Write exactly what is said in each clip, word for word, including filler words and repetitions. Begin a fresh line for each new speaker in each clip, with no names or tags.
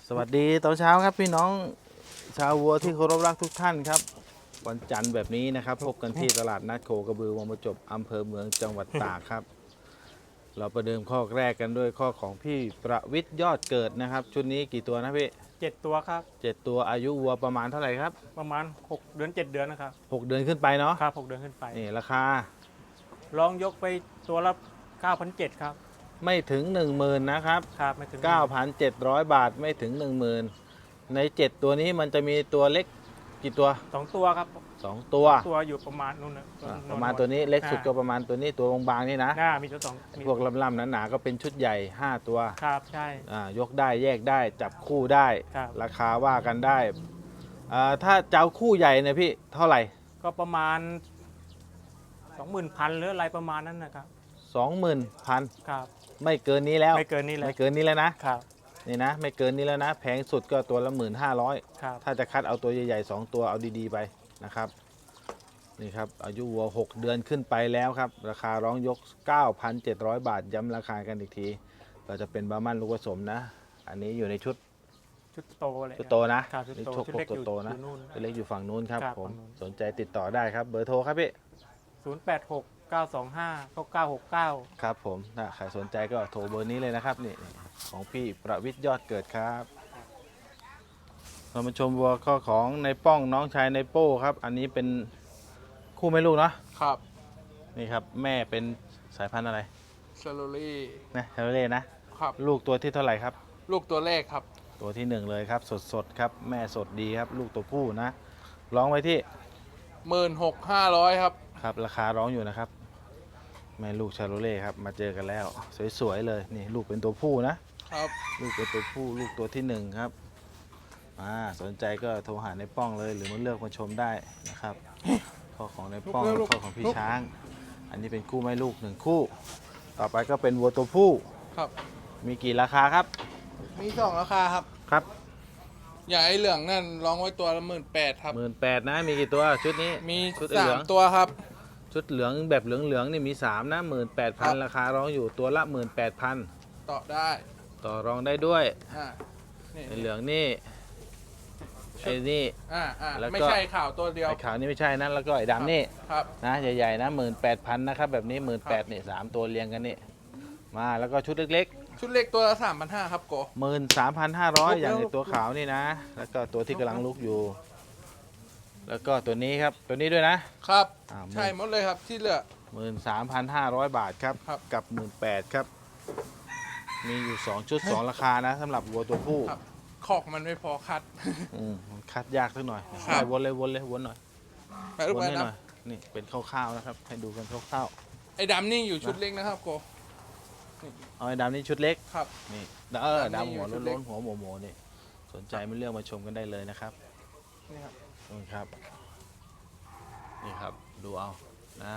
สวัสดีตอนเช้าครับพี่น้องชาววัวที่เคารพรักทุกท่านครับวันจันทร์แบบนี้นะครับพบกันที่ตลาดนัดโคกระบือวังประจบอำเภอเมืองจังหวัดตากครับเราประเดิมข้อแรกกันด้วยข้อของพี่ประวิทย์ยอดเกิดนะครับชุดนี้กี่ตัวนะพี่
เจ็ดตัวครับ
เจ็ดตัวอายุวัวประมาณเท่าไหร่ครับ
ประมาณหกเดือนเจ็ดเดือนนะครับ
หกเดือนขึ้นไปเนาะ
ครับหกเดือนขึ้นไป
นี่ราคา
ลองยกไปตัวละเก้าพันเจ็ดครับ
ไม่ถึง หนึ่งหมื่น นะครับ
ครับไม่ถึง
เก้าพันเจ็ดร้อย บาทไม่ถึง หนึ่งหมื่น ในเจ็ดตัวนี้มันจะมีตัวเล็กกี่ตัว
สองตัวครับ
สองตัว
ตัวอยู่ประมาณนู้นนะ
ประมาณตัวนี้เล็กสุดก็ประมาณตัวนี้ตัวบางๆนี่นะ
หน้ามีตัวสอง
พวกลำๆหนาๆก็เป็นชุดใหญ่ห้าตัว
ครับใช่
ยกได้แยกได้จับคู่ได้ราคาว่ากันได้ถ้าเจ้าคู่ใหญ่เนี่ยพี่เท่าไหร่
ก็ประมาณสองหมื่นพันหรืออะไรประมาณนั้นนะครับ
สองหมื่นพัน
ครับ
ไม่เกินนี้แล้ว
ไม่เกินนี้แล้ว
ไม่เกินนี้แล้วนะครับนี่นะไม่เกินนี้แล้วนะแพงสุดก็ตัวละหมื่นห้าร้อยถ้าจะคัดเอาตัวใหญ่ๆสองตัวเอาดีๆไปนะครับนี่ครับอายุวัวหกเดือนขึ้นไปแล้วครับราคาร้องยก เก้าพันเจ็ดร้อย บาทย้ำราคากันอีกทีเราจะเป็นบาร์มันลูกผสมนะอันนี้อยู่ในชุด
ชุดโตเลย
ชุดโตนะ
ชุดโต
ชุดเล็กโตนะเล็กอยู่ฝั่งนู้นครับผมสนใจติดต่อได้ครับเบอร์โทรครับพี่
ศูนย์แปดหก เก้าสองห้า เก้าเก้าหกเก้า
ครับผมถ้าใครสนใจก็โทรเบอร์นี้เลยนะครับนี่ของพี่ประวิทย์ยอดเกิดครับเรามาชมวัวข้อของในป้องน้องชายในโป้ครับอันนี้เป็นคู่แม่ลูกเนาะ
ครับ
นี่ครับแม่เป็นสายพันธุ์อะไร
ชาโลลี่
นะชาโลเล่นะครับลูกตัวที่เท่าไหร่ครับ
ลูกตัวแรกครับ
ตัวที่หนึ่งเลยครับสดสดครับแม่สดดีครับลูกตัวผู้นะร้องไว้ที่
หมื่นหกห้าร้อยครับ
ครับราคาร้องอยู่นะครับแม่ลูกชาโลเล่ครับมาเจอกันแล้วสวยๆเลยนี่ลูกเป็นตัวผู้นะครับลูกเป็นตัวผู้ลูกตัวที่หนึ่งครับอ่าสนใจก็โทรหาในป้องเลยหรือมาเลือกมาชมได้นะครับข้อของในป้องข้อของพี่ช้างอันนี้เป็นคู่แม่ลูกหนึ่งคู่ต่อไปก็เป็นวัวตัวผู้
ครับ
มีกี่ราคาครับ
มีสองราคาครับ
ครับ
อย่าไอเหลืองนั่นร้องไว้ตัวละหมื่นแปดครับ
หมื่นแปดนะมีกี่ตัวชุดนี้
มีสามตัวครับ
ชุดเหลืองแบบเหลืองเหลืองนี่มีสามนะหมื่นแปดพันราคาร้องอยู่ตัวละหมื่นแปดพัน
ต่อได้
ต่อรองได้ด้วย
อ่า
ในเหลืองนี่ไอ้นี่
อ่าอ่าไม่ใช่ข่าวตัวเดียว
ไอ้ขาวนี่ไม่ใช่นะแล้วก็ไอ้ดำนี่
ครับ
นะใหญ่ๆนะหมื่นแปดพันนะครับแบบนี้หมื่นแปดนี่สามตัวเรียงกันนี่มาแล้วก็ชุดเล็ก
ๆชุดเล็กตัวละสามพันห้าครับโก
หมื่นสามพันห้าร้อยอย่างในตัวขาวนี่นะแล้วก็ตัวที่กำลังลุกอยู่แล้วก็ตัวนี้ครับตัวนี้ด้วยนะครับ
ใช่หมดเลยครับที่เหลือ
หมื่นสามพันห้าร้อยบาทครับกับหมื่นแปดครับมีอยู่สองชุดสองราคานะสำหรับวัวตัวผู้
ขอกมันไม่พอคัด
อืมคัดยากสักหน่อยวนเลยวนเลยวนหน่อยวนให้หน่อยนี่เป็นคร่าวๆนะครับให้ดูกันคร่าว
ๆไอ้ดำนี่อยู่ชุดเล็กนะครับโก
เอาไอ้ดำนี่ชุดเล็ก
ครับ
นี่เออดำหัวล้นๆหัวโมโมนี่สนใจไม่เลือกมาชมกันได้เลยนะครับ
นี่ครับ
นี่ครับนี่ครับดูเอานะ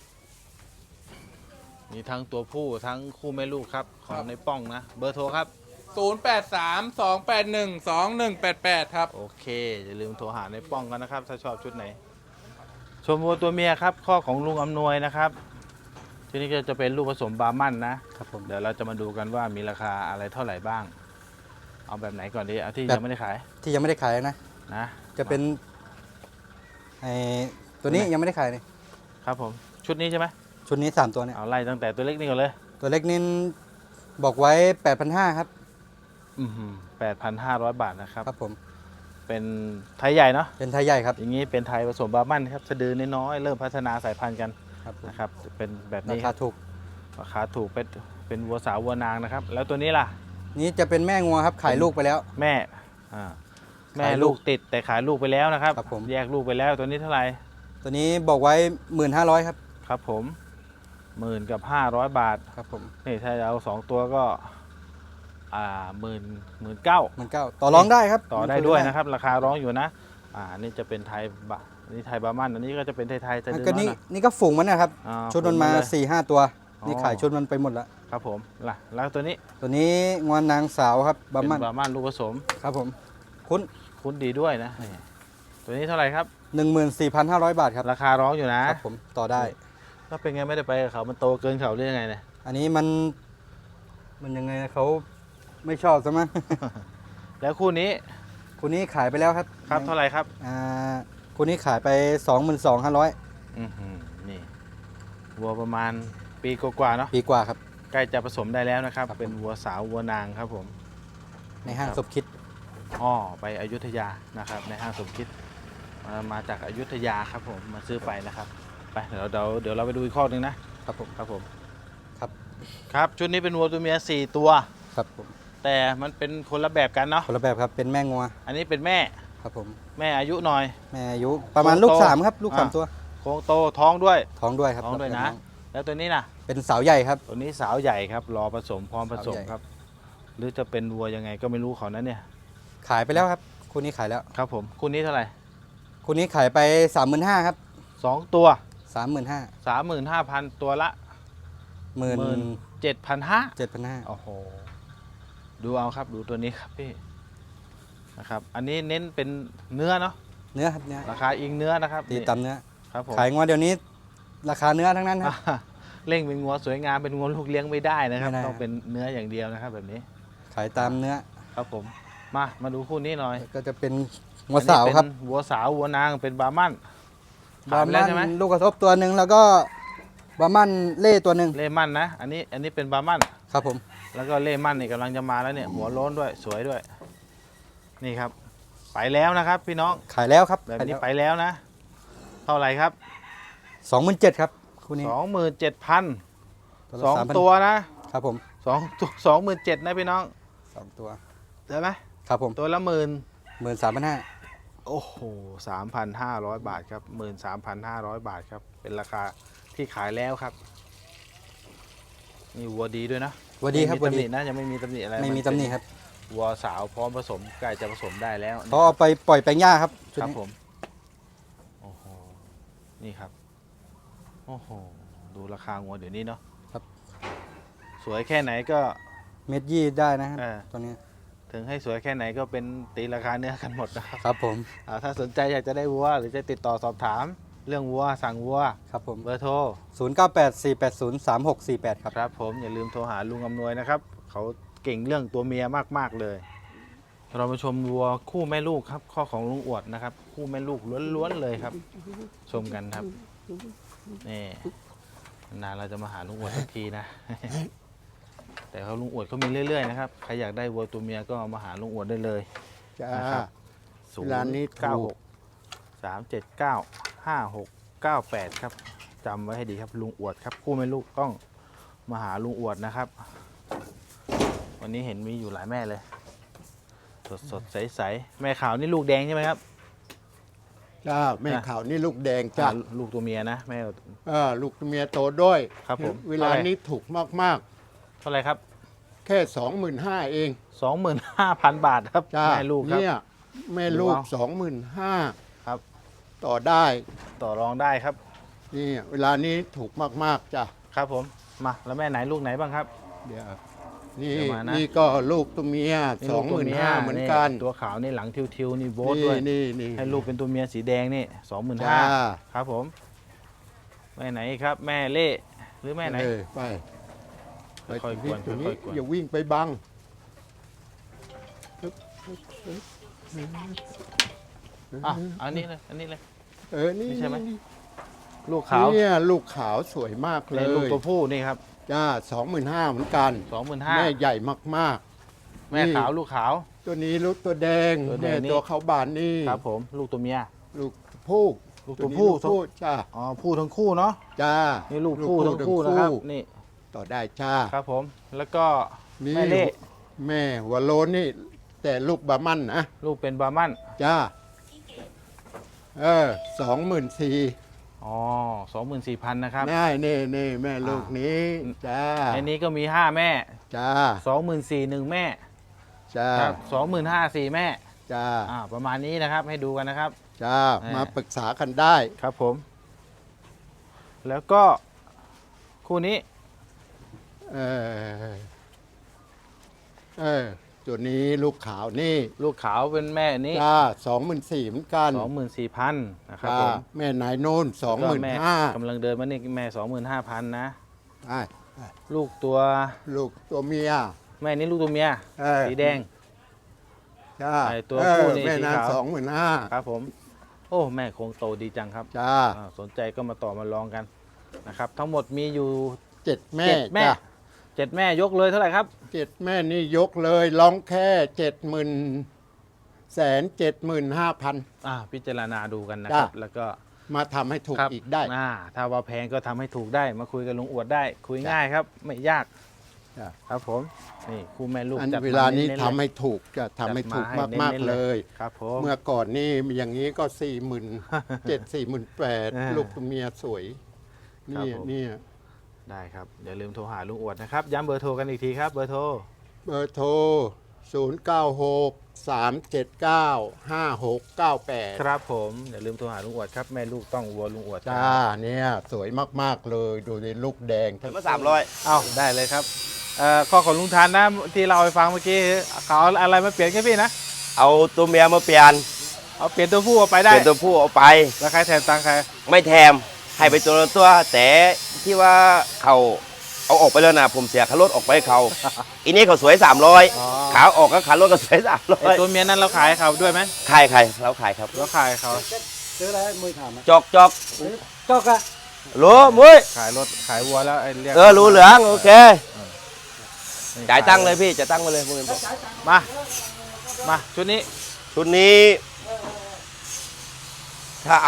มีทั้งตัวผู้ทั้งคู่แม่ลูกครับของในป้องนะเบอร์โทรครับ
ศูนย์ แปด สาม สอง แปด หนึ่ง สอง หนึ่ง แปด แปดครับ
โอเคอย่าลืมโทรหาในป้องกันนะครับถ้าชอบชุดไหนชมวัวตัวเมียครับข้อของลุงอำนวยนะครับที่นี่ก็จะเป็นลูกผสมบาร์มันนะครับผมเดี๋ยวเราจะมาดูกันว่ามีราคาอะไรเท่าไหร่บ้างเอาแบบไหนก่อนดีเอาที่ยังไม่ได้ขาย
ที่ยังไม่ได้ขายนะ
นะ
จะเป็นไอตัวนี้ยังไม่ได้ขายเลย
ครับผมชุดนี้ใช่ไหม
ชุดนี้สามตัวเนี่ย
เอาไล่ตั้งแต่ตัวเล็กนี่ก่อนเลย
ตัวเล็กนี่บอกไว้ แปดพันห้าร้อย ครับ
อืมแปดพันห้าร้อยบาทนะครับ
ครับผม
เป็นไทยใหญ่เนาะ
เป็นไทยใหญ่ครับ
อย่างนี้เป็นไทยผสมบาร์มันครับสะดือน้อยๆเริ่มพัฒนาสายพันธุ์กันนะครับเป็นแบบนี้
ราคาถูก
ราคาถูกเป็นเป็นวัวสาววัวนางนะครับแล้วตัวนี้ล่ะ
นี้จะเป็นแม่งัวครับขายลูกไปแล้ว
แม่อ่าแม่ลูกติดแต่ขายลูกไปแล้วนะครับ
ครับผม
แยกลูกไปแล้วตัวนี้เท่าไหร่
ตัวนี้บอกไว้หมื่นห้าร้อยครับ
ครับผมหมื่นกับห้าร้อยบาท
ครับผม
นี่ถ้าเอาสองตัวก็อ่าหมื่นหมื่นเก้า
หมื่นเก้าต่อรองได้ครับ
ต่อได้ด้วยนะครับราคาร้องอยู่นะอ่านี่จะเป็นไทยบะนี่ไทยบาร์มันอันนี้ก็จะเป็นไทยไทยจะเดิน
นี่นี่ก็ฝูงมันนะครับชุดมันมาสี่ห้าตัวนี่ขายชุดมันไปหมดแล้ว
ครับผมล่ะแล้วตัวนี้
ตัวนี้งวนนางสาวครับ
บาร์มันบาร์มันลูกผสม
ครับผมคุ้น
คุ้นดีด้วยนะตัวนี้เท่าไหร่ครับ
หนึ่งหมื่นสี่พันห้าร้อยบาทครับ
ราคาร้องอยู่นะครับ
ผมต่อได้
ก็เป็นไงไม่ได้ไปเขามันโตเกินเขาหรือยังไงเนี่ย
อันนี้มันมันยังไงเขาไม่ชอบซะมั้ง
ยแล้วคู่นี้
คู่นี้ขายไปแล้วครับ
ครับเท่าไหร่ครับ
อ่าคู่นี้ขายไป สองหมื่นสองพันห้าร้อย
อือหือนี่วัวประมาณปีกว่าๆเนาะ
ปีกว่าครับ
ใกล้จะผสมได้แล้วนะครับ
ครับ
เป็นวัวสาววัวนางครับผม
ในห้าง
ครับ
สมคิด
อ้อไปอยุธยานะครับ ในห้างสมคิดมามาจากอยุธยาครับผมมาซื้อไปนะครับไปเดี๋ยวเดี๋ยวเดี๋ยวเราไปดูอีกข้อหนึ่งนะครับ
ผม
ครับผม
ครับ
ครับชุดนี้เป็นวัวตัวเมียสี่ตัว
ครับผม
แต่มันเป็นคนละแบบกันเนาะ
คนละแบบครับเป็นแม่งัว
อันนี้เป็นแม่
ครับผม
แม่อายุหน่อย
แม่อายุประมาณลูก
โต
สามครับลูกสาม
อ่า
ตัว
โครงโตท้องด้วย
ท้องด้วยครับ
ท้องด้วย
ค
นะ
รับ
แล้วตัวนี้นะ
เป็นสาวใหญ่ครับ
ตัวนี้สาวใหญ่ครับรอผสมพร้อมผสม
สาวใหญ่
ครับ หรือจะเป็นวัวยังไงก็ไม่รู้เขานั้นเนี่ย
ขายไปแล้วครับคู่นี้ขายแล้ว
ครับผมคู่นี้เท่าไหร่
คู่นี้ขายไป สามหมื่นห้าพัน ครับ
สองตัว
สามหมื่นห้า
สามหมื่นห้าพันตัวละ
หมื่น
เจ็ดพันห้า
เจ็ดพันห้า
โอ้โหดูเอาครับดูตัวนี้ครับพี่นะครับ อันนี้เน้นเป็นเนื้อเนาะ
เนื้อครับเนื้อ
ราคาอิงเนื้อนะครับ
ตี
นี่
ตำเนื้อ
ครับผม
ขายงัวเดี๋ยวนี้ ราคาเนื้อทั้งนั้นครับ
อ่าเร่งเป็นงัวสวยงามเป็นงัวลูกเลี้ยงไม่ได้นะครับ
ไม่ได้
ต้องเป็นเนื้ออย่างเดียวนะครับ แบบนี้
ขายตามเนื้อ
ครับผมมามาดูคู่นี้หน่อย
ก็จะเป็นงัวสาวครับ
อันนี้เป็นวัวสาววัวนางเป็นบาร์มัน
บา
ขาย
ร์
ไปแล้
มั
วใช่ไหม
นลูกกระทบตัวหนึ่งแล้วก็บาร์มันเล่ตัวหนึ่ง
เล่มันนะ อันนี้อันนี้เป็นบาร์มัน
ครับผม
แล้วก็เล่มันนี่กำลังจะมาแล้วเนี่ย หัวโล้นด้วยสวยด้วย นี่ครับ ไปแล้วนะครับ พี่น้อง
ขายแล้วครับ
แบบนี้ไปแล้วนะ เท่าไหร่ครับ
สองหมื่นเจ็ดครับคู่นี้
สองหมื่นเจ็ดพัน
ละ
สอง
สามพัน
ตัวนะครับ
ผม
สองตัวสองหมื่นเจ็ดนะพี่น้อง
สองตัว
ได้ไหม
ครับผม
ตัวละหมื่น
หมื่นสามพันห้า
โอ้โหสามพันห้าร้อยบาทครับหมื่นสามพันห้าร้อยบาทครับ เป็นราคาที่ขายแล้วครับ นี่วัวดีด้วยนะ
วัวดีครับ
ไม่
วัว
มีตำห
ดี
นินะยังไม่มีตำหนิอะไร
ไม่มี
น
ตำหนิ
เป็น
ครับ
วัวสาวพร้อมผสมใกล้จะผสมได้แล้ว
เขาเอาไปปล่อยแปลงหญ้าครับชุด
ครับ
นี้
ผมโอ้โหนี่ครับโอ้โหดูราคาวัวเดี๋ยวนี้เนาะ
ครับ
สวยแค่ไหนก็
เม็ดยี่ได้นะครับ
เออ
ตัวนี้
ถึงให้สวยแค่ไหนก็เป็นตีราคาเนื้อกันหมดนะครับ
ครับผม
อ่าถ้าสนใจอยากจะได้วัวหรือจะติดต่อสอบถาม เรื่องวัวสั่งวัว
ครับผม
เบอร์โทร
ศูนย์เก้าแปด สี่แปดศูนย์ สามหกสี่แปดครับ
ครับผมอย่าลืมโทรหาลุงอำนวยนะครับ เขาเก่งเรื่องตัวเมียมากๆเลย เรามาชมวัวคู่แม่ลูกครับ ข้อของลุงอวดนะครับ คู่แม่ลูกล้วนๆเลยครับ ชมกันครับนี่นานเราจะมาหาลุงอวดสักทีนะ แต่เขาลุงอวดเขามีเรื่อยๆนะครับใครอยากได้วัวตัวเมียก็มาหาลุงอวดได้เลย
จ้า
นะครับศูน
ร้านนี้
ย์เก้า
ถู
ห
ก
กสามเจ็ดเก้าห้าหกเก้าแปดครับจำไว้ให้ดีครับลุงอวดครับคู่แม่ลูกต้องมาหาลุงอวดนะครับ วันนี้เห็นมีอยู่หลายแม่เลย สดสดใสใสๆแม่ขาวนี่ลูกแดงใช่ไหมครับ
จ้าแม่
อ่ะ
ขาวนี่ลูกแดงจ้า
อ่าลูกตัวเมียนะแม่
เออลูกเมียโตด้วย
ครับผม
เวลานี้ถูกมาก
เท่าไหร่ครับ
ๆ แค่สองหมื่นห้าเอง
สองหมื่นห้าพันบาทครับ
จ้า
แม่ลูกครับ
เนี่ยแม่ลูก
ดูเอา
สองหมื่นห้า
ครับ
ต่อได้
ต่อรองได้ครับ
นี่เวลานี้ถูกมากๆจ้า
ครับผมมาแล้วแม่ไหนลูกไหนบ้างครับ
เดี๋ยวนี่
เดี๋ยวมานะ
นี่ก็ลูกตัวเมีย
นี่
ส
ลู
อก งห
ตัว
มื่น
เมีย
ห้าเหมือนกัน
ตัวขาวนี่หลังทิวๆนี่โบ๊ท
นี่
ด้วย
นี่นี่
ให้ลูกเป็นตัวเมียสีแดงนี่สองหมื่น
จ้า
ห้าครับผมแม่ไหนครับ แม่เล่หรือแม่ไหน
เออไปไป
ค่อยๆกวน
ตัวนี้
ค่อยๆกวน
อย่าวิ่งไปบัง
อ่ะอันนี้เลยอันนี้เลย
เออนี่
นี่ใช่ไหม
นี่
ลูกขาว
เนี่ยลูกขาวสวยมากเล
ใน
ย
ลูกตัวผู้นี่ครับ
จ้าสองหมื่นห้าเหมือนกัน
สองหมื่นห้า
แม่ใหญ่มาก
แม่ขาวลูกขาว
ๆ ตัวนี้ลูกตัวแดง
ตัวแดง
เนี่ย
นี่
ตัวเขาบานนี่
ครับผมลูกตัวเมีย
ลูกผู้
ลูกตัว
นี้
ผู้
ลูกผู้จ้า
อ๋อผู้ทั้งคู่เนาะ
จ้า
นี่ลูกผู้ทั้งคู่นะครับนี่
ต่อได้จ้า
ครับผมแล้วก็
นี่
แม่เล่
แม่หัวโลนนี่ แต่ลูกบามันนะ
ลูกเป็นบาร์มัน
จ้าเออสองหมื่นสี่
อ๋อสองหมื่นสี่พันนะครับ
แม่นี่นี่แม่ลูกนี้จ้า
ในนี้ก็มีห้าแม่
จ้า
สองหมื่นสี่หนึ่งแม่
จ้า
ครับสองหมื่นห้าสี่แม่
จ้า
อ่าประมาณนี้นะครับให้ดูกันนะครับ
จ้า
แม่
มาปรึกษากันได้
ครับผม แล้วก็คู่นี้
เออเออตัวนี้ลูกขาวนี่
ลูกขาวเป็นแม่นี้
จ้าสองหมื่นสี่เหมือนกัน
สองหมื่นสี่พันนะครับ
จ้า
ผม
แม่นายโน่นสองหมื่น
แม่
ห้าก
ำลังเดินมานี่แม่สองหมื่นห้าพันนะ
ไอ้
ลูกตัว
ลูกตัวเมีย
แม่นี้ลูกตัวเมีย
เออ
สีแดง
จ้า
ไอ้ตัว
เออ
ผู้นี่
แม่
สี
นาง
ขาว
สองหมื่นห้า
ครับผม โอ้แม่โคงโตดีจังครับ
จ้า
อ่าสนใจก็มาต่อมาลองกันนะครับ ทั้งหมดมีอยู่
เจ็ดแม่
เจ็ดแม่
จ้า
เจ็ดแม่ยกเลยเท่าไหร่ครับ
เจ็ดแม่นี่ยกเลยร้องแค่เจ็ดหมื่นแสนเจ็ดหมื่นห้าพัน
อ่าพิจารณาดูกันนะครับ
จ้ะ
แล้วก็
มาทำให้ถูก
ครับ
อีกได้
อ่าถ้าว่าแพงก็ทำให้ถูกได้มาคุยกับลุงอวดได้ คุย
จ้ะ
ง่ายครับ ไม่ยาก
จ้ะ
ครับผมนี่คู่แม่ลูก
อัน
จัดม
เวลานี้
เๆ
ทำ
เลย
ให้ถูกจะทำให้ถูก
จัดมาให้
มาก
เน้นๆ
ๆเลย
ครับผม
เมื่อก่อนนี่อย่างนี้ก็สี่หมื่นเจ็ดสี่หมื่นแปด
อ่า
ลูกตัวเมียสวย
ครับ
นี่
ผม
นี่
ได้ครับอย่าลืมโทรหาลุงอวดนะครับย้ำเบอร์โทรกันอีกทีครับเบอร์โทร
เบอร์โทร ศูนย์ เก้า หก สาม เจ็ด เก้า ห้า หก เก้า แปด
ครับผมอย่าลืมโทรหาลุงอวดครับแม่ลูกต้องวัวลุงอวด
จ้าเนี่ยสวยมากๆเลย ดูในลูกแดงทั้ง
มาสามร้อย
เอ้าได้เลยครับเอ่อข้อของลุงทานนะที่เราไปฟังเมื่อกี้เขาเอาอะไรมาเปลี่ยนแค่พี่นะ
เอาตัวเมียมาเปลี่ยน
เอาเปลี่ยนตัวผู้เอาไปได้
เป็นตัวผู้เอาไป
แล้วใครแทนตังค์ใคร
ไม่แถมให้ไปตัวละตัว แต่ที่ว่าเขาเอาออกไปแล้วนะผมเสียค่ารถออกไปให้เขา อีนี้เขาสวยสามร้อย
อ๋อ
ขาออกก็ขารถก็สวยสามร้อ
ไอ้
ย
ตัวเมียนั้นเราขายเขาด้วยไหม
ขายใครเราขายครับ
เราขายเขา
ซื้ออะไรมือถามอ่ะ
จอกจอก
จอกอะ
รู้มุ้ย
ขายรถขายวัวแล้วไอ้เรียก
เออรู้เหลืองโอเค
นี่
จ่ายตังค์เลยพี่จ่ายตังค์มาเลยมึง
มามาชุดนี้
ชุดนี้ ถ้าเอา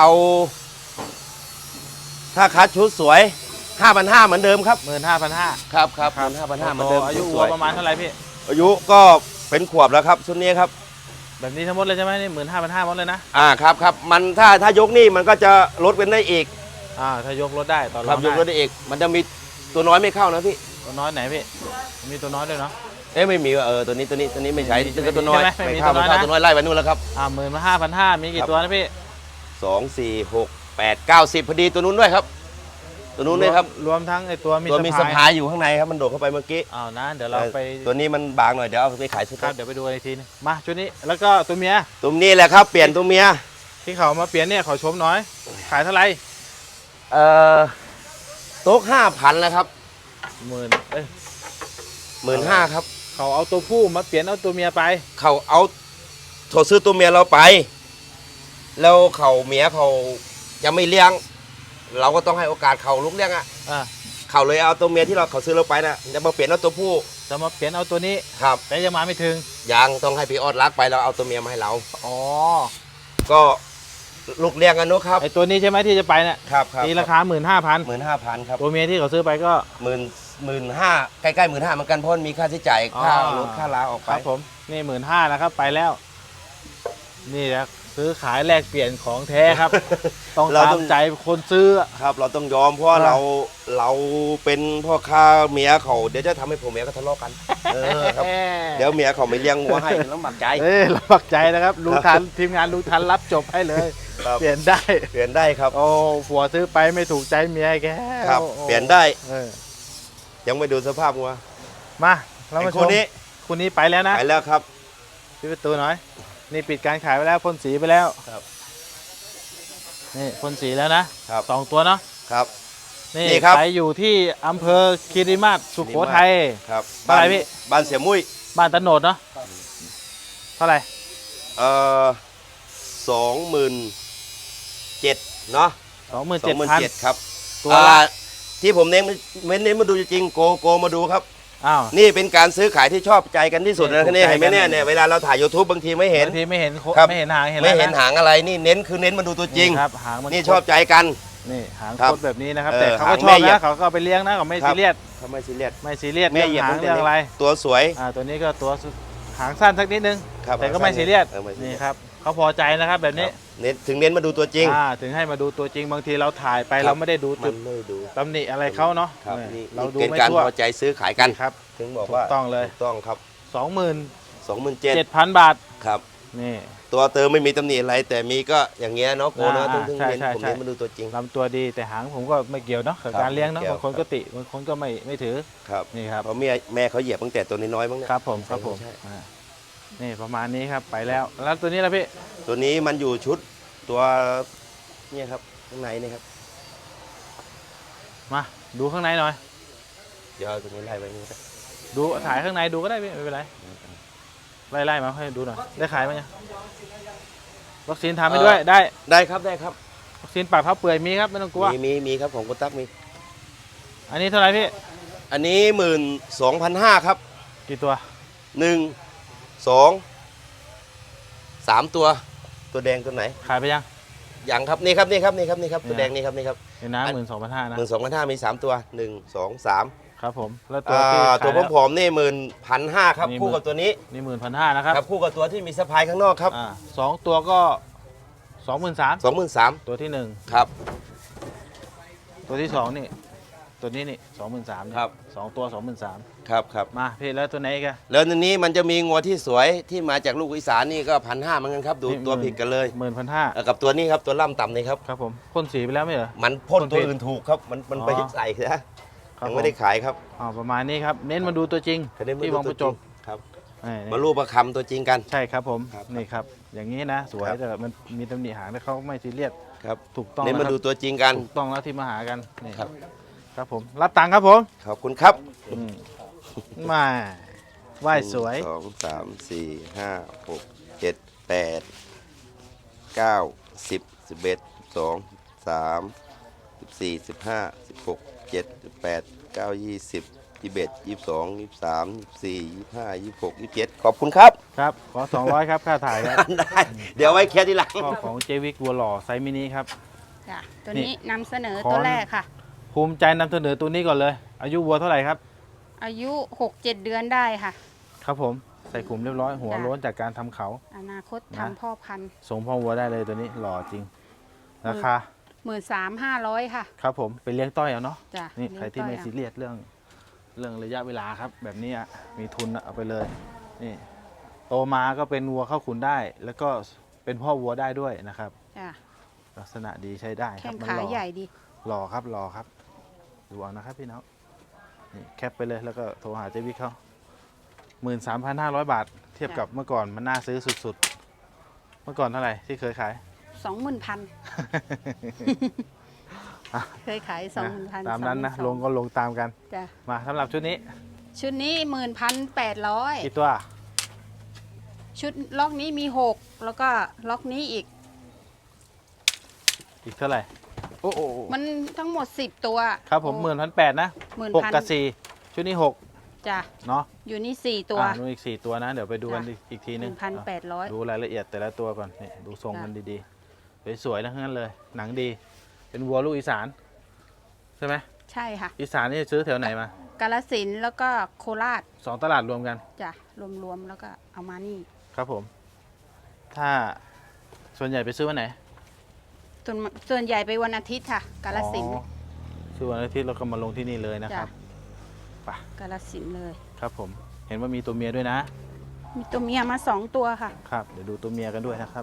ถ้าคัดชุดสวยห้าพันห้าเหมือนเดิมครับ
หมื่นห้าพันห้า
ครับครับหมื่นห้าพันห้าเหมือนเดิม
อายุ
ชุดส
วัวประมาณเท่าไหร่พี่
อายุก็เป็นขวบแล้วครับชุดนี้ครับ
แบบนี้ทั้งหมดเลยใช่ไหมนี่หมื่นห้าพันห้าหมดเลยนะ
อ่าครับครับมันถ้าถ้ายกนี่มันก็จะลดกันได้อีก
อ่าถ้ายกรถได้ต่อร
ครั
อบ ง
ยกรถ
ได้
ได้อีก มันจะมีตัวน้อยไม่เข้านะพี่
ตัวน้อยไหนพี่มีตัวน้อยด้วยเนาะ
เอ๊ะไม่มีว่ะเออตัวนี้ตัวนี้ตัวนี้ไม่ใช่
ไม่มี
ตัวตัวน้อย
ใช่ไหมไม่มี
ไม่เข้า
ตัวน้
ไม่
อยนะ
เข้าตัวน้อยไล่ไปนู่นแล้วครับ
อ่าหมื่นห้าพันห้ามีกี่ตัวนะพี่
สองสี่หกแปดเก้าสิบพอดีตัวนู้นด้วยครับ ตัวนู้นด้วยครับ
รวมทั้งไอ้ตัวมี
ตัวมีสะ
สะ
พา
พาย
ยอยู่ข้างในครับมันโดดเข้าไปเมื่อกี้
อ้าวนะเดี๋ยวเราไป
ตัวนี้มันบางหน่อยเดี๋ยวเอาไปขายส
ครั
ต๊
บอก เดี๋ยวไปดูอีกทีนึงมาชุดนี้แล้วก็ตัวเมีย
ตัวนี้แหละครับเปลี่ยนตัวเมีย
ที่เขามาเปลี่ยนเนี่ยขอชมน้อย ขายเท่าไหร่
เอ่อโต๊ะห้าพันแล้วครับ
หมื่นเอ้ย
หมื่นห้าครับ
เขาเอาตัวผู้มาเปลี่ยนเอาตัวเมียไป
เขาเอาโถซื้อตัวเมียเราไป แล้วเขาเมียเขาจะไม่เลี้ยง เราก็ต้องให้โอกาสเขาลุกเลี้ยงอ่ะ
อ่า
เขาเลยเอาตัวเมียที่เราเขาซื้อเราไปนะจะมาเปลี่ยนเอาตัวผู้
จะมาเปลี่ยนเอาตัวนี้
ครับ
แต่ยังมาไม่ถึง
ยังต้องให้พี่ออดรักไปเราเอาตัวเมียมาให้เรา
อ๋อ
ก็ลูกเลี้ยงกันเนอะครับ
ไอตัวนี้ใช่ไหมที่จะไปเนี่ย
ครับครับ
ตีราคาหมื่นห้าพัน
หมื่นห้าพันครับ
ตัวเมียที่เขาซื้อไปก็
หมื่นหมื่นห้าใกล้ๆหมื่นห้าเหมือนกันเพราะมันมีค่าใช้จ่ายค่ารถค่าลาออก
ค
ไป
รับผมนี่หมื่นห้านะครับไปแล้ว นี่นะซื้อขายแลกเปลี่ยนของแท้ ครับ ต้อง
เรา
ตา
ต้
ม
อง
ใจคนซื้อ
ครับเราต้องยอมเพราะว่า
ครับ
เราเราเป็นพ่อค้าเมียเขาเดี๋ยวจะทำให้ผมเมียเขาทะเลาะกันเออครับเดี๋ยวเมียเขาไม่เลี้ยงวัวให้แล้วหมักใจ
เอ้ยลำบากใจนะครับลุงทันทีมงานลุงทันรับจบให้เลย
ครับ
เปลี่ยนได้
เปลี่ยนได้ครับ
โอ้ผัวซื้อไปไม่ถูกใจเมียแก
ครับ
โอ้
เปลี่ยนได้
เออ
ยังไม่ดูสภาพวัว
มาเรามา
ไอ้
ช
คน
ม
นี้
คุณนี้ไปแล้วนะ
ไปแล้วครับ
ปิดประตูหน่อย นี่ปิดการขายไปแล้วพ่นสีไปแล้ว
ครับ
นี่พ่นสีแล้วนะครับ สองตัวเนาะ
ครับ
นี่
นี่ครับ
ขายอยู่ที่อำเภอคีรีมาศสุโขทัย
ครับ
เท่าไหร่พี่
บ้านเสียมุ้ย
บ้านตะโนดเนาะเท่าไหร่
เอ่อสองหมื่นเจ็ดเนาะ
สองหมื่น
สอ
เจ็
ง
ด
หมื่น
พัน
เจ็ดครับ
ตัว
อ่า
ละ
ที่ผมเน้นเน้นเน้นมาดูจริงๆโกโกมาดูครับ
อ้าว
นี่เป็นการซื้อขายที่ชอบใจกันที่สุด
นี่
นะ
ถูก
นี่
ใจ
เห็นไหม
กัน
เนี่ยเนี่ยเวลาเราถ่าย YouTube บางทีไม่เห็น
บางทีไม่เห็นโค
ครับ
ไม่เห็นหางเห็น
ไม่
แล้วะ
เห็นหางอะไรนี่เน้นคือเน้นมาดูตัวจริง
นี่ครับหางมัน
นี่ชอบใจกัน
นี่หาง
ครับ
โคตรแบบนี้นะครับ
เออ
แต่เขาก็
หาง
ช
แม่
อบ
เหยียบ
นะเขาก็เอาไปเลี้ยงนะเขาไม่
ครับ
ซีเรียส
ทำไมซีเรียส
ไม่ซีเรียส
แม่
เรื่อง
เหยียบ
หาง
ตั้งแต่
เรื่องอะไร
ตัวสวย
อ่าตัวนี้ก็ตัวสุดหางสั้นสักนิดนึง
ครับ
แต่ก็ไม่ซีเรียส
เออไม่ซีเรี
นี่
ยส
ครับเขาพอใจนะครับแบบนี้
เน้นถึงเน้นมาดูตัวจริง
อ่าถึงให้มาดูตัวจริงบางทีเราถ่ายไป
ครับ
เราไม่ได้ดู
มั
จุด
นไม่ดู
ตำหนิอะไรเขาเนาะ
ครับ
เนี่ย
นี่
เราดู
เป็น
ไม่
การ
ทั่ว
พอใจซื้อขายกัน
ครับ
ถึงบอกว่า
ถูกต้องเลย
ถูกต้องครับ
สองหมื่น
สองหมื่นเจ็ด
เจ็ดพันบาท
ครับ
นี่
ตัวเติมไม่มีตำหนิอะไร แต่มีก็อย่างเงี้ยเนาะโกเนาะ
อ่า
ถึงถึง
ใช่
เน้น
ใช่
ผม
ใช่
เน้นมาดูตัวจริง
ลำตัวดีแต่หางผมก็ไม่เกี่ยวเนาะกับ
ครับ
การเลี้ยงเนาะ
ไม่เกี่ยว
บางคนก็ติบางคนก็ไม่ไม่ถือ
ครับ
นี่ครับ
เพราะแม่แม่เขาเหยียบตั้งแต่ตัวน้อยๆมั้งเนี่ย
ครับผมครับผม
ใช่
อ่านี่ประมาณนี้ครับไปแล้วแล้วตัวนี้ล่ะพี่
ตัวนี้มันอยู่ชุดตัวเนี่ยครับข้างในนี่ครับ
มาดูข้างในหน่อย
เดี๋ยวเอาตัวนี้ไล่ไปนี่ครับ
ดูถ่ายข้างในดูก็ได้พี่ไม่เป็นไรไล่ไล่มาให้ดูหน่อยได้ขายไหมเนี่ยวัคซีนทำให้ด้วยได้
ได้ครับได้ครับ
วัคซีนปากเท้าเปื่อยมีครับไม่ต้องกลัว
มีมีมีครับของคุณตั๊กมี
อันนี้เท่าไหร่พี่
อันนี้หมื่นสองพันห้าครับ
กี่ตัว
หนึ่งสองสามตัวตัวแดงตัวไหน
ขายไปยัง
ยังครับนี่ครับนี่ครับนี่ครับนี่ครับ
เนี่ย
ตัวแดงนี่ครับนี่ครับ
เห็นนะหมื่นสองพันห้านะ
หมื่นสองพันห้ามีสามตัวหนึ่งสองสาม
ครับผมแล้วตัว
อ่า
ที่
ตัว
ขายแล้ว
ผอมๆนี่หมื่นพันห้าครับ
นี่
คู่กับตัวนี้
นี่หมื่นพันห้านะครับ
ครับคู่กับตัวที่มีสะพายข้างนอกครับ
อ่าสองตัวก็สองหมื่นสาม
สองหมื่นสาม
ตัวที่หนึ่ง
ครับ
ตัวที่สองนี่ตัวนี้นี่สองหมื่นสาม
ครับ
สองตัวสองหมื่นสาม
ครับครับ
มาพี่แล้วตัวไหนอีกัน
แล้วในนี้มันจะมีงัวที่สวยที่มาจากลูกอีสานนี่ก็พันห้าเหมือนกันครับดูตัวผิดกันเลย
หมื่นพันห้า
เอ่อกับตัวนี้ครับตัวล่ำต่ำนี่ครับ
ครับผมพ่นสีไปแล้วไม่เหรอ
มันพ่น
พ่น
ตัว
ผิด
อื่นถูกครับมันมัน
อ๋อ
ไปใส่นะ
ครับ
ยังไม่ได้ขายครับ
อ๋อประมาณนี้ครับเน้นมาดูตัวจริง
คะแนน
ที่วังประจบ
ครับ
นี่
มารูปประคำตัวจริงกัน
ใช่ครับผม
ครับ
นี่ครับอย่างนี้นะสวย
ครับ
แต่มันมีตำหนิหางแต่เขาไม่ซีเรียส
ครับ
ถูกต้อง
เน้น
นะ
มา
ครับ
ดูตัวจริงกัน
ถูกต้องแล้วที่มาหากันนี่
ครับ
ครับผมรับตังค์ครับผม
ขอบคุณครับ
อืมมาไหว้สวย
หนึ่งสองสามสี่ห้าหกเจ็ดแปดเก้าสิบสิบเอ็ดสองสามสิบสี่สิบห้าสิบหกเจ็ดสิบแปดเก้ายี่สิบยี่สิบเอ็ดยี่สิบสองยี่สิบสามยี่สิบสี่ยี่สิบห้ายี่สิบหกยี่สิบเจ็ดขอบคุณครับ
ครับขอสองร้อยครับค่าถ่ายครับ
ได้เดี๋ยวไว้แค่ทีหลัง
ก็ของเจวิกวัวหล่อไซส์มินิครับ
จ้ะตัว
นี่
นี้นำเสนอ
ขอ
ตัวแรกค่ะ
ภูมิใจนำเสนอตัวนี้ก่อนเลย อายุวัวเท่าไหร่ครับ
อายุหกเจ็ดเดือนได้ค่ะ
ครับผมใส่ขุมเรียบร้อยหัว
จ้ะ
โล้นจากการทำเขา
อนาคต
นะ
ทำพ่อพันธุ์
ส่งพ่อวัวได้เลยตัวนี้หล่อจริง ราคา
หมื่นสามห้าร้อยค่ะ
ครับผมไปเลี้ยงต้อยเอาเนาะ
จ้ะ
นี่
เลี้ยง
ใครที่ไม่
ต้อย
ซีเรียสเรื่องเรื่องระยะเวลาครับ แบบนี้อะมีทุนอะเอาไปเลยนี่โตมาก็เป็นวัวเข้าขุนได้ แล้วก็เป็นพ่อวัวได้ด้วยนะครับ
จ้ะ
ลักษณะดีใช้ได้ค
แข้
รับ
ง
มัน
ขา
หล่อ
ใหญ่ดี
หล่อครับหล่อครับดูเอานะครับพี่น้องนี่แคปไปเลยแล้วก็โทรหาเจวิกเขาหมื่นสามพันห้าร้อยบาท เทียบกับเมื่อก่อนมันน่าซื้อสุดๆ เมื่อก่อนเท่าไหร่ที่เคยขาย
สองหมื่นพัน เคยขายสองหมื่นพัน
ตามนั้นนะลงก็ลงตามกัน
จ้ะ
มาสำหรับชุดนี้
ชุดนี้หมื่นพันแปดร้อย
กี่ตัว
ชุดล็อกนี้มีหกแล้วก็ล็อกนี้อีก
อีกเท่าไหร่โอ้โห
มันทั้งหมดสิบตัว
ครับผมหมื่นพันแปดนะ
หมื่น
หก
พัน
กับสี่ชุดนี้หก
จ้ะ
เนาะ
อยู่นี่สี่ตัว
อ่านู่นอีกสี่ตัวนะ เดี๋ยวไปดูกัน
จ้ะ
อีกอีกที
ห
นึ
นึ่
ง
งพันแปดร้อย
ดูรายละเอียดแต่ละตัวก่อนนี่ดูทรง
จ้ะ
มันดีๆสวยๆทั้งนั้นเลย หนังดี เป็นวัวลูกอีสาน ใช่ไหม
ใช่ค่ะ
อีสานนี่ซื้อแถวไหนมา
กาฬสินธุ์แล้วก็โคราช
สองตลาดรวมกัน
จ้ะรวมๆแล้วก็เอามานี่
ครับผม ถ้าส่วนใหญ่ไปซื้อวันไหน
ส่วนส่วนใหญ่ไปวันอาทิตย์ค่ะ กาฬสินธุ์
อ๋อซื้อวันอาทิตย์เราก็มาลงที่นี่เลยนะค
จ้ะ
รับ ไป
กาฬสินธุ์เลย
ครับผม เห็นว่ามีตัวเมียด้วยนะ
มีตัวเมียมาสองตัวค่ะ
ครับ เดี๋ยวดูตัวเมียกันด้วยนะครับ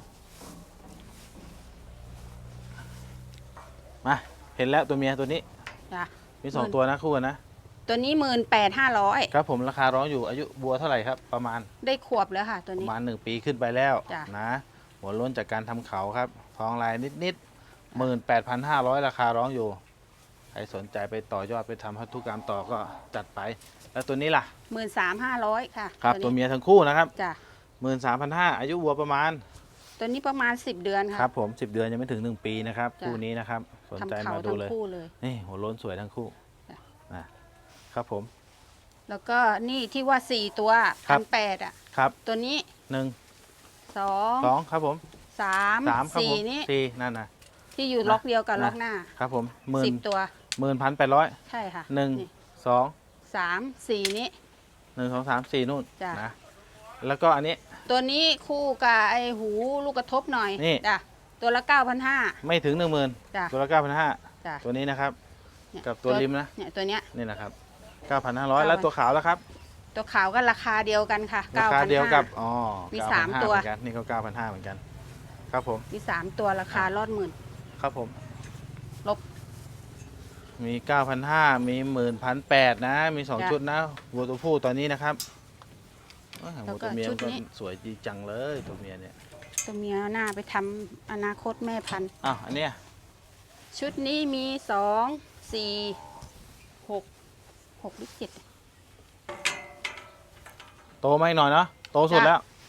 มา เห็นแล้วตัวเมียตัวนี้
จ้ะ
มีสอง
หมื่น
ตัวนะคู่กันนะ
ตัวนี้หมื่นแปดห้าร้อย
ครับผมราคาร้องอยู่อายุบัวเท่าไหร่ครับ ประมาณ
ได้ขวบแล้วค่ะ ตัว
ประ
นี้
มาณหนึ่งปีขึ้นไปแล้ว
จ้ะ
นะ หัวโล้นจากการทำเขาครับ ทองลายนิดๆหมื่นแปดพันห้าร้อยราคาร้องอยู่ ใครสนใจไปต่อยอดไปทำพันธุกรรมต่อก็จัดไป แล้วตัวนี้ล่ะ
หมื่นสามห้าร้อยค่ะ
ครับตัว
นี้
เมียทั้งคู่นะครับ
จ้ะ
หมื่นสามพันห้าอายุวัวประมาณ
ตัวนี้ประมาณสิบเดือน
ค
ค่ะ
รับผมสิบเดือนยังไม่ถึงหนึ่งปีนะครับ
จ้ะ
คู่นี้นะครับ สนใจ
ทำเขา
มาดู
ทั้ง
เลย
คู่เลย
นี่หัวโล้นสวยทั้งคู่
จ้ะ
นะครับผม
แล้วก็นี่ที่ว่าสี่ตัว
ครั
พั
บ
นแปดอ่ะ
ครับ
ตัวนี้
หนึ่ง
สอง
สองครับผม
สาม
สามครับ
สี่
ผม
นี่
สี่นั่นนะ
ที่อยู่
นะ
ล็อกเดียวกับ
นะ
ล็อกหน้า
ครับผมหมื่น
สิบตัว
หมื่นพันแปดร้อย
ใช่ค่ะ
หนึ่ง
นี่
สอง
สามสี่นี้
หนึ่งสองสามสี่นู่น
จ้ะ
นะแล้วก็อันนี้
ตัวนี้คู่กับไอหูลูกกระทบหน่อย
นี่
จ้ะตัวละเก้าพันห้า
ไม่ถึงหนึ่งหมื่น
จ้ะ
ตัวละเก้าพันห้า
จ้ะ
ตัวนี้นะครับ
เนี่ย
กับตัวริมนะ
เนี่ยตัวเนี้ย
นี่นะครับเก้าพันห้าร้อย
เก้าพัน
แล้วตัวขาวแล้วครับ
ตัวขาวก็ราคาเดียวกันค่ะ
ราคา
เก้าพัน
เดียว
ห้า
กับอ๋อ
มี
เก้พัน
สาม
ห้
ตัว
เหมือนกันนี่ก็เก้าพันห้าเหมือนกัน ครับผม
มีสามตัวราคารอดหมื่น
ครับผม
ลบ
มี เก้าพันห้าร้อย มี หนึ่งพันแปดร้อย นะ มี สอง
จ้ะ
ชุดนะวัวตัวผู้ตอนนี้นะครับเอ้ย
แล้ว
วัว
ก็
ตัวเมีย
ชุ
มั
ด
นก็
นี้
สวยดีจังเลยตัวเมียเนี่ย
ตัวเมียหน้าไปทำอนาคตแม่พันธุ์
อ้าวอันเนี้ย
ชุดนี้มีสองสี่หกหกหรือเจ็ด
โตมาอีกหน่อยเนาะโตสุด
จ้ะ
แล้ว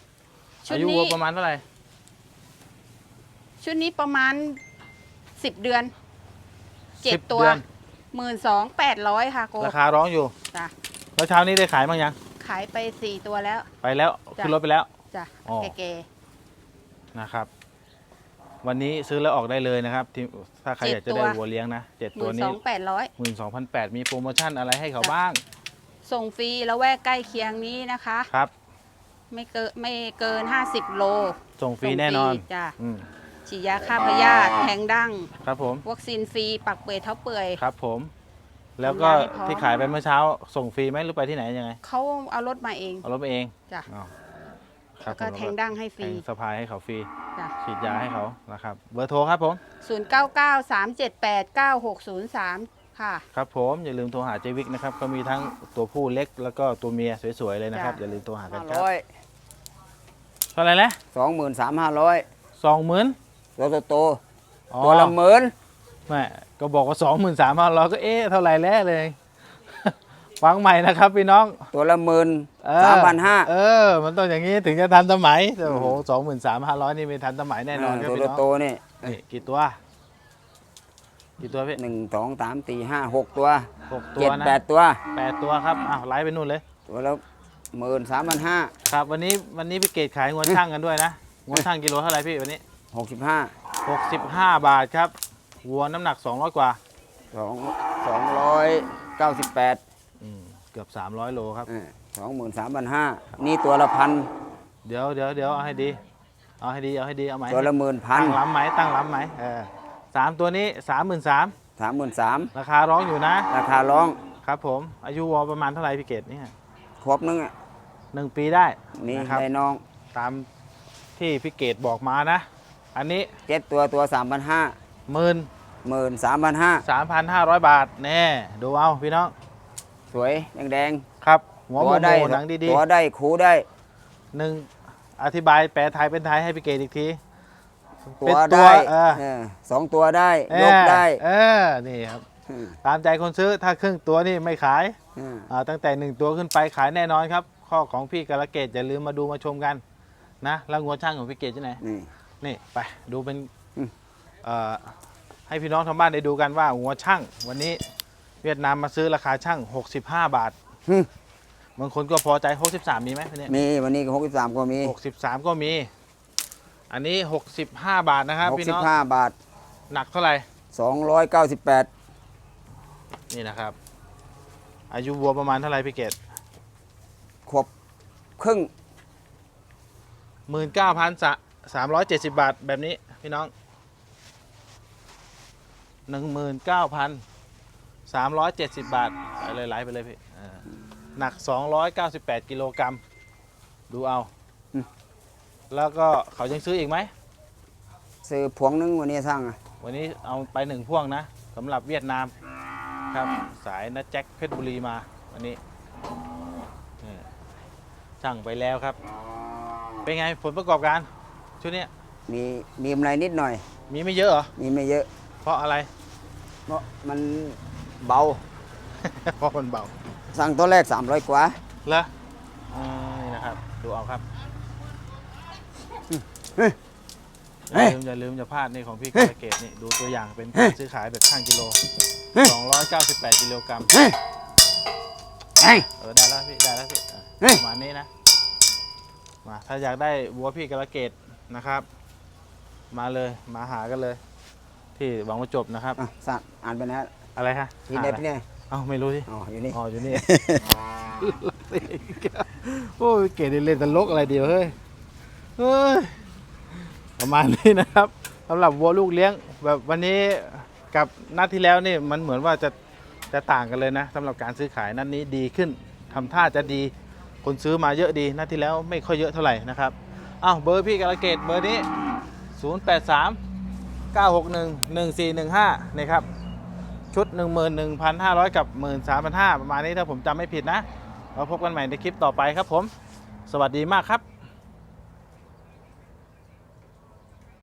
ชุ
อา
ด
ยุวั
นี้
วประมาณเท่าไหร่
ชุดนี้ประมาณสิบเดือนเจ็ด
สิบ
ตัว
เดือน
หมื่นสองแปดร้อยค่ะโก
ราคาร้องอยู่
จ้ะ
แล้วเช้านี้ได้ขายบ้างยัง
ขายไปสี่ตัวแล้ว
ไปแล้ว
จ้ะ
ขึ้นรถไปแล้ว
จ้ะ
อ๋อ
แก่
นะครับ วันนี้ซื้อแล้วออกได้เลยนะครับที่ถ้าใครอยากจะได้วัวเลี้ยงนะเจ็ด
ๆห
ตัว
มื่นส
นี้
องแปดร้อย
หมื่นสองพันแปดมีโปรโมชั่นอะไรให้เขา
จ้ะ
บ้าง
ส่งฟรีแล้วแวกใกล้เคียงนี้นะคะ
ครับ
ไม่เกินไม่เกินห้าสิบโล
ส่งฟรีแน่นอน
ส่งฟรีจ้ะ
อืม
ฉีดยาฆ่าพยาธิแทงดั้ง
ครับผม
วัคซีนฟรีปักเปื่อยเท้าเปื่อย
ครับผม แล้วก็
ทำงานให้พร้อม
ที่ขายไปเมื่อเช้า ส่งฟรีไหมหรือไปที่ไหนยังไง
เขาเอารถมาเอง
เอารถไปเอง
จ้ะ
อ้าวครั
แล้
บ
วก็
ผม
แทงดั้งให้ฟ
แท
รี
งสะพายให้เขาฟรี
จ้ะ
ฉีดยาให้เขานะครับเบอร์โทรครับผม
ศูนย์เก้าเก้าสามเจ็ดแปดเก้าหกศูนย์สามค่ะ
ครับผมอย่าลืมโทรหาเจวิกนะครับก็มีทั้งตัวผู้เล็กแล้วก็ตัวเมียสวยๆเลยนะครับ
จ้ะ
อย่าลืมโทรหากัน
ห้า
ครับ
ร้อย
เท่าไหร่นะ
สองหมื่นสามห้าร้อย
สองหมื่น
ตัวโตๆตัวละหมื่น
แม่ก็บอกว่าสองหมื่นสามพันเราก็เอ๊ะเท่าไหร่แล้วเลย ฟังใหม่นะครับพี่น้อง
ตัวละหมื่น
เออ
สามพันห้า
เออ มันต้องอย่างนี้ถึงจะทันสมัยแต่โอ้โหสองหมื่นสามพันร้อยนี่ไม่ทันสมัยแน่นอนครับ
ตัว
พี่น้อง
โตๆนี่
นี่กี่ตัว กี่ตัวพี่
หนึ่งสองสามสี่ห้าหกตัว
หกตัว
เจ็ด
นะ
แปดตัว
แปดตัวครับอ้าวไล่ไปนู่นเลย
ตัวละหมื่นสามพันห้า
ครับวันนี้วันนี้พี่เกดขายงวช่างกันด้วยนะงวช่างกิโลเท่าไหร่พี่วันนี้
หกสิบห้า
หกสิบห้าบาทครับวัวน้ำหนักสองร้อยกว่า
สองสองร้อยเก้าสิบแปด
อืมเกือบสามร้อยโลครับ
สองหมื่นสามพันห้านี่ตัวละพัน
เดี๋ยวเดี๋ยวเดี๋ยวเอาให้ดี เอาให้ดีเอาให้ดีเอาไหม
ตัวละหมื่นพัน
ตั้งล้ำไหมตั้งล้ำไหมเออสามตัวนี้สามหมื่นสาม
สามหมื่นสาม
ราคาร้องอยู่นะ
ราคาร้อง
ครับผมอายุวัวประมาณเท่าไหร่พี่เกดเนี่ย
ครบนึงอ่ะ
หนึ่งปีได้
นี่
นะครับ
ให้น้อง
ตามที่พี่เกดบอกมานะ อันนี้
เจ็ดตัวตัวสามพันห้า
หมื่น
หมื่นสามพันห้า
สามพันห้าร้อยบาทแน่ดูเอาพี่น้อง
สวยแดง
ครับหัว
ๆ
โม
ตัว
โม
ได้
หนังดี
ตัวได้คูได้
ๆหนึ่งอธิบายแปลไทยเป็นไทยให้พี่เกดอีกที
ตั
เป็
วน
ตัว
ได้
เออ
เออสองตัวได้
เออย
กได้
เออนี่ครับตามใจคนซื้อถ้าครึ่งตัวนี่ไม่ขาย
อืม
อ่าตั้งแต่หนึ่งตัวขึ้นไปขายแน่นอนครับ ข้อของพี่กระเกตอย่าลืมมาดูมาชมกันนะแล้วงัวช่างของพี่เกตที่ไหน
นี่
นี่ไปดูเป็น
อืม
เอ่อให้พี่น้องทางบ้านได้ดูกันว่างัวช่างวันนี้เวียดนามมาซื้อราคาช่างหกสิบห้าบาท
อืม
บางคนก็พอใจหกสิบสามมีไหมเนี่ย
มีวันนี้หกสิบสามก็มี
หกสิบสามก็มี อันนี้หกสิบห้าบาทนะครับ
หก
พี่
สิ
น้
บ
อง
ห้าบาท
หนักเท่าไหร่
สองร้อยเก้าสิบแปด
นี่นะครับ อายุวัวประมาณเท่าไหร่พี่เกต
ขวบครึ่ง
หมื่นเก้าพันสามร้อยเจ็ดสิบบาทแบบนี้พี่น้องหนึ่งหมื่นเก้าพันสามร้อยเจ็ดสิบบาทไปเลยไหลไปเลยพี่เออหนักสองร้อยเก้าสิบแปดกิโลกรัมดูเอา แล้วก็เขายังซื้ออีกไหม
ซื้อพวงนึงวันนี้สร้างอะ
วันนี้เอาไปหนึ่งพ่วงนะสำหรับเวียดนามครับสายนัดแจ็คเพชรบุรีมาวันนี้นี่สั่งไปแล้วครับ เป็นไงผลประกอบการชุดเนี้ย
มีมีกำไรนิดหน่อย
มีไม่เยอะเหรอ
มีไม่เยอะ
เพราะอะไร
เพราะมันเบา
เพราะมันเบา
สั่งตัวแรกสามร้อยกว่า
เหรออืมนี่นะครับ ดูเอาครับ
เฮ้ย
อย่าลืมอย่าลืมอย่าพลาดนี่ของพี่กาลเกตนี่ดูตัวอย่างเป็นการซื้อขายแบบช่างกิโลสองร้อยเก้าสิบแปดกิโลกรัม
เฮ้ยเฮ้ย
เออได้แล้วพี่ได้แล้วพี่อ่ะ
เฮ้ย
ประมาณนี้นะมาถ้าอยากได้วัวพี่กาลเกตนะครับ มาเลยมาหากันเลย ที่หวังว่าจบนะครับ
อ่ะสั่งอ่านไปนะ
อะไรฮะ
ที่ไหน
หา
ไป
อะไร
เนี่ย
เอ้าไม่รู้สิ
อ๋ออยู่นี่
อ๋ออยู่นี่ โอ้ยเกดเล่นตลกอะไรเดียวเฮ้ยเฮ้ยประมาณนี้นะครับสำหรับวัวลูกเลี้ยงแบบวันนี้กับนัดที่แล้วนี่มันเหมือนว่าจะจะต่างกันเลยนะสำหรับการซื้อขายนัดนี้ดีขึ้นทำท่าจะดีคนซื้อมาเยอะดีนัดที่แล้วไม่ค่อยเยอะเท่าไหร่นะครับอ้าวเบอร์พี่กาลเกตเบอร์นี้ ศูนย์ แปด สาม เก้า หก หนึ่ง หนึ่ง สี่ หนึ่ง ห้า นะครับชุด หนึ่งหมื่นหนึ่งพันห้าร้อย กับ หนึ่งหมื่นสามพันห้าร้อย ประมาณนี้ถ้าผมจำไม่ผิดนะเราพบกันใหม่ในคลิปต่อไปครับผมสวัสดีมากครับ